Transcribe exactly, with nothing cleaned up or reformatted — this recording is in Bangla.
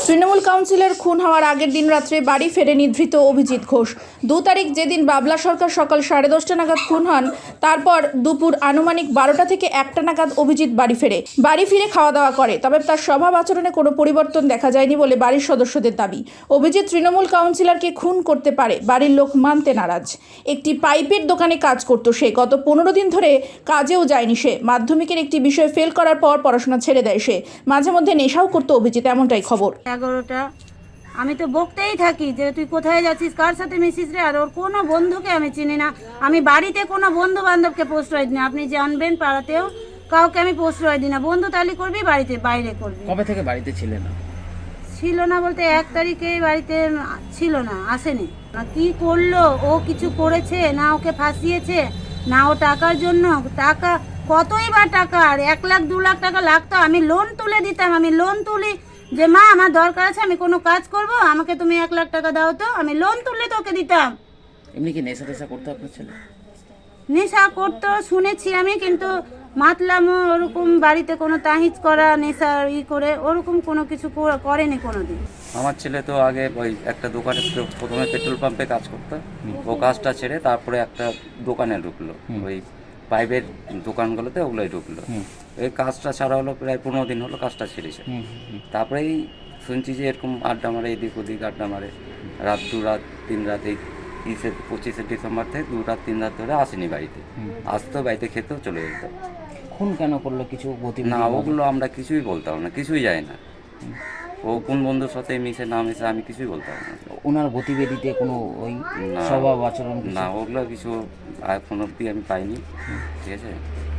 তৃণমূল কাউন্সিলর খুন হওয়ার আগের দিন রাত্রে বাড়ি ফেরেনি ধৃত অভিজিৎ ঘোষ। দু তারিখ যেদিন বাবলা সরকার সকাল সাড়ে দশটা নাগাদ খুন হন, তারপর দুপুর আনুমানিক বারোটা থেকে একটা নাগাদ অভিজিৎ বাড়ি ফেরে বাড়ি ফিরে খাওয়া দাওয়া করে। তবে তার স্বভাব আচরণে কোনো পরিবর্তন দেখা যায়নি বলে বাড়ির সদস্যদের দাবি। অভিজিৎ তৃণমূল কাউন্সিলরকে খুন করতে পারে, বাড়ির লোক মানতে নারাজ। একটি পাইপের দোকানে কাজ করত সে। গত পনেরো দিন ধরে কাজেও যায়নি সে। মাধ্যমিকের একটি বিষয় ফেল করার পর পড়াশোনা ছেড়ে দেয় সে। মাঝে মধ্যে নেশাও করতো অভিজিৎ, এমনটাই খবর। এগারোটা আমি তো বকতেই থাকি যে তুই কোথায় যাচ্ছিস, কার সাথে মিশিস রে। আর ওর কোনো বন্ধুকে আমি চিনি না। আমি বাড়িতে কোনো বন্ধু বান্ধবকে প্রশ্রয় দিই না। আপনি জানবেন পাড়াতেও কাউকে আমি প্রশ্রয় দিই না। বন্ধু তালি করবি, বাড়িতে বাইরে করবি। কবে থেকে বাড়িতে ছিলে না? ছিল না বলতে এক তারিখে বাড়িতে ছিল না, আসেনি। না কি করলো, ও কিছু করেছে না, ওকে ফাঁসিয়েছে না, ও টাকার জন্য টাকা কতই বা টাকার এক লাখ দু লাখ টাকা লাগতো। আমি লোন তুলে দিতাম, আমি লোন তুলি যে মা আমার দরকার আছে, আমি কোনো কাজ করব, আমাকে তুমি এক লাখ টাকা দাও, তো আমি লোন তুলে তোকে দিতাম। এমনি কি নেশা টেশা করতে আপনার ছেলে? নেশা করতো শুনেছি আমি, কিন্তু মাতলামও ওরকম বাড়িতে কোনো তাহিজ করা নেশা ই করে ওরকম কোনো কিছু কর- করেনি কোনোদিন। আমার ছেলে তো আগে ওই একটা দোকানে প্রথমে পেট্রোল পাম্পে কাজ করতো, ও কাজটা ছেড়ে তারপরে একটা দোকানে ঢুকলো, ওই পাইপের দোকানগুলোতে ওগুলোই ঢুকলো। এই কাজটা ছাড়া হলো প্রায় পনেরো দিন হলো কাজটা ছেড়েছে। তারপরেই শুনছি যে এরকম আড্ডা মারে, এদিক ওদিক আড্ডা মারে, রাত দু রাত তিন রাত, এই তিরিশে পঁচিশে ডিসেম্বর থেকে দু রাত তিন রাত ধরে আসেনি বাড়িতে। আসতো বাড়িতে খেতেও চলে যেত। খুন কেন করলো কিছু গতি? না, ওগুলো আমরা কিছুই বলতাম না, কিছুই যায় না। ও কোন বন্ধুর সাথে মিশে না মিশে আমি কিছুই বলতাম না। ওনার গতিবিধিতে কোনো ওই না। স্বভাব আচরণ কিছু? না, ওগুলো কিছু এখন অব্দি আমি পাইনি। ঠিক আছে।